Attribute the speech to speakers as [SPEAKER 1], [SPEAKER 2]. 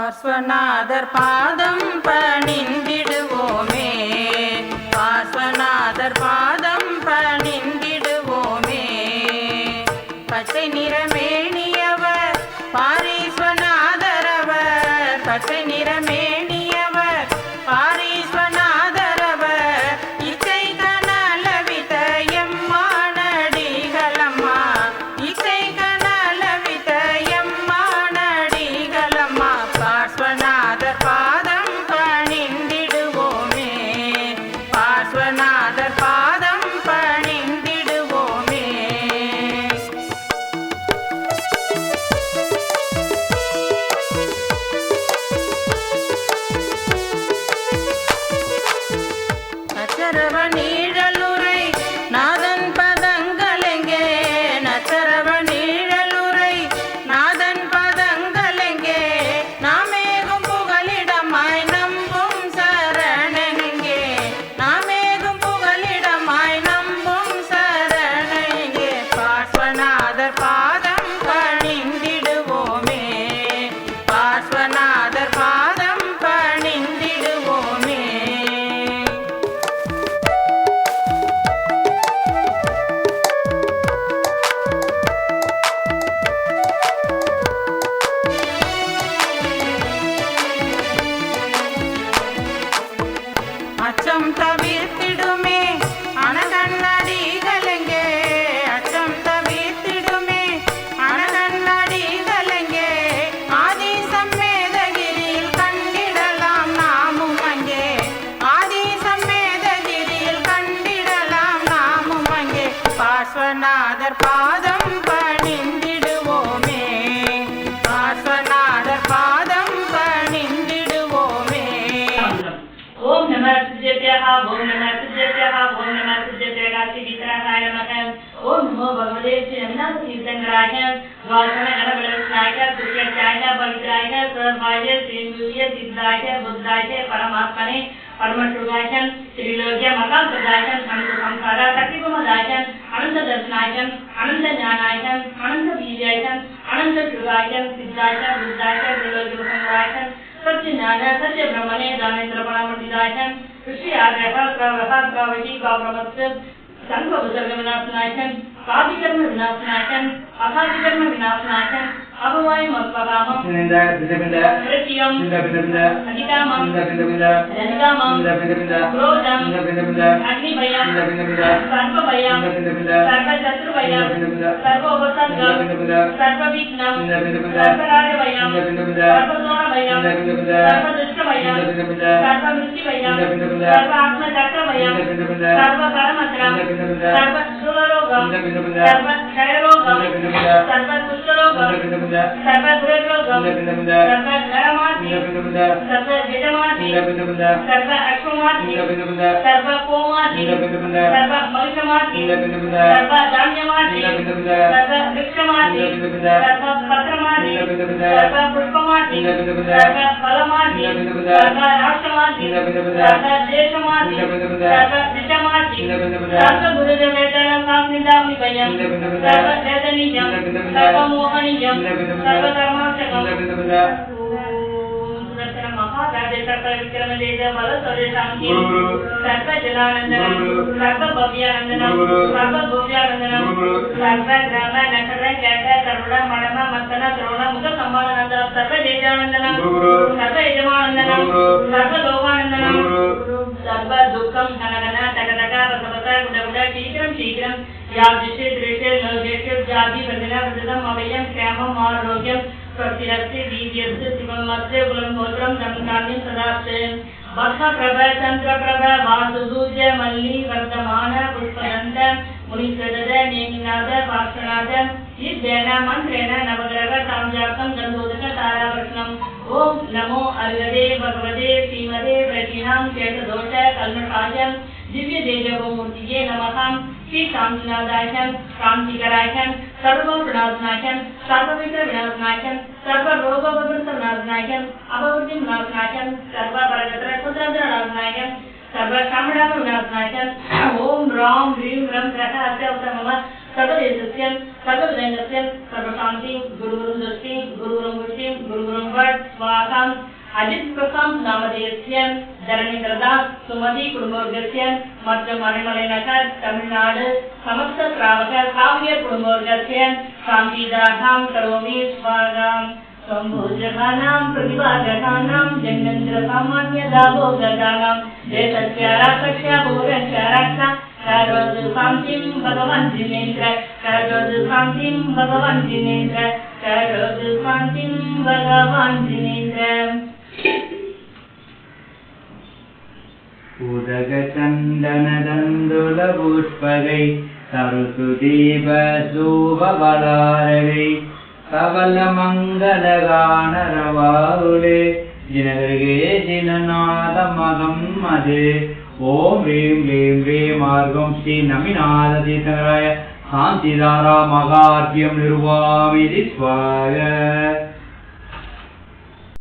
[SPEAKER 1] பார்ஸ்வநாதர் பாதம் பணிந்திடுவோமே, பார்ஸ்வநாதர் பாதம் பணிந்திடுவோமே. பச்சை நிறமேனியவர் பாரீஸ்வநாதர் அவர், பச்சை நிறமேனியவர் பாரீஸ்வநாதர் அவர். இச்சை கனலவித எம்மானடிகளம்மா, இச்சை கனலவித எம்மானடிகளம்மா. பார்ஸ்வநாதர் பாதம் பணிந்திடுவோமே, பார்ஸ்வநாதர் பாதம் பணிந்திடுவோமே. நச்சரவ நீழலுரை நாதன் பதங்களெங்கே, நச்சரவ நீழலுரை நாதன் பதங்களெங்கே. நாமேகும் புகலிடமாய் நம்பும் சரணெங்கே, நாமேகும் புகலிடமாய் நம்பும் சரணெங்கே. பார்ஸ்வநாதர் பாதம் பணிந்திடுவோமே, பார்ஸ்வநாதர் பாதம் பணிந்திடுவோமே. அச்சம் தவிர்த்திடுமே அனகண்ணடிகளெங்கே, அச்சம் தவிர்த்திடுமே அனகண்ணடிகளெங்கே. ஆதி சம்மேதகிரியில் கண்டிடலாம் நாமும் அங்கே, ஆதி சம்மேதகிரியில் கண்டிடலாம் நாமும் அங்கே. பார்ஸ்வநாதர் பாதம் பணிந்திடுவோமே, பார்ஸ்வநாதர் பாதம் பணிந்திடுவோமே.
[SPEAKER 2] ओम नमः शिवाय, ओम नमः शिवाय, ओम नमः शिवाय गायत्री वितराय नमः। ओम नमो भगवते श्रीनाथ कीर्तनराय द्वादश गणपतिनाय तुष्याय पवित्राय सर्वाय श्रीमुय सिद्धाय बुद्धाय परमात्मने परमशिवाय त्रिलोक्य मकाप्रदाय अनंत संसार शक्तिप्रदाय अनंत दर्शनाय अनंत ज्ञानाय अनंत वीर्याय अनंत शिवाय सिद्धाय बुद्धाय त्रिलोक्य संग्राय सत्य ज्ञान सत्य ब्रह्मणे दानेन्द्र परामर्दिताय ऋषि आग्रह प्रवह प्रवही गौरवस्य संग विसर्ग विनाशनाय कादिकर्म विनाशनाय अकादिकर्म विनाशनाय अभवाय मत्परामं कृत्यं अधिकामं जनिकामं क्रोधं अग्निभयं सर्वभयं सर्वशत्रुभयं सर्वोपसर्गं सर्वविघ्नं सर्वराजभयं सर्वदोषभयं सर्वदुष्टभयं सर्वमृत्युभयं सर्वात्मचक्रभयं सर्वकर्मत्रं सर्वशूलरोगं सर्वक्षयरोगं सर्वकुष्ठरोगं सर्वदुर्रोगं सर्वनरमाति सर्वजटमाति सर्वाक्षमाति सर्वकोमाति सर्वमहिषमाति सर्वधान्यमाति सर्ववृक्षमाति सर्वपत्रमाति सर्वपुष्पमाति सर्वफलमाति सर्वराष्ट्रमाति सर्वदेशमाति सर्वदिशमाति सर्वगुरुजवेतनं काम्निदामिभयं सर्ववेदनीयं सर्वमोहनीयं सर्वकर्माक्षकं विक्रमदेश बल सर्वेशांति सर्वजनानंदनं सर्वभव्यानंदनं सर्वभव्यानंदनं सर्वग्राम नखर कैट करुण मणम मत्तन द्रोण मुख संवादनंदनं सर्वदेशानंदनं सर्वयजमानंदनं सर्वलोकानंदनं सर्वदुःखं घनघन टकटक रसवत गुडगुड शीघ्रं शीघ्रं यादृशे दृशे लोकेषु जाति बंधना बंधनम् अभयं क्षेमम् आरोग्यं स्वस्तिरस्ति वीर्यस्य शिवमस्य कुलगोत्रं धनधान्यं सदास्ते वर्षप्रभ चन्द्रप्रभ वासुसूर्य मल्ली वर्तमान पुष्पदन्त मुनिसदद नेमिनाद पार्श्वनाद इद्येन मन्त्रेण नवग्रह साम्यार्थं गन्धोदक तारावर्षणम् ओम नमो अर्घदे भगवते श्रीमते प्रकीणां चेतदोष कल्मषाय दिव्य तेजोमूर्तिये नमः। श्री शांतिनाथाय शांतिकराय सर्वविनाशनाय सर्वविघ्न विनाशनाय सर्वरोगविनाशनाय अपवृत्ति विनाशनाय सर्वपरगत्र कुद्रत्र विनाशनाय सर्वकामणाम विनाशनाय ओम राम ह्रीं रं ग्रह अत्यवतमः सर्वदेशस्य सर्वविदयस्य सर्वशान्ति गुरुवरुं दृष्टि गुरुवरुं वृष्टि गुरुवरुं वट स्वाहा अजित प्रशांत नामधेयस्य धरणीधरदास सुमति कुटुंबवर्गस्य मध्य मणिमलैनगर तमिलनाडु समस्त श्रावक काव्य कुटुंबवर्गस्य शांतिदाहां करोमि स्वाहा संभूजगानां प्रतिभाजगानां जन्मेन्द्र सामान्य दाभोगगानां देशस्याराक्षस्य भूरस्याराक्षा करोतु शान्तिं भगवान् जिनेन्द्र करोतु शान्तिं भगवान् जिनेन्द्र करोतु शान्तिं भगवान् जिनेन्द्र
[SPEAKER 3] उदक चंदन दंदुल पुष्पगै सरुसुदीप शोभबलारगै सबल मंगल गान रवाहुले जिनगर्गे जिननाद मगम मदे ओम ह्रीं क्लीं ह्रीं मार्गं श्री नमिनाथ तीर्थराय शांतिधारा मगार्घ्यं निर्वामिति स्वाहा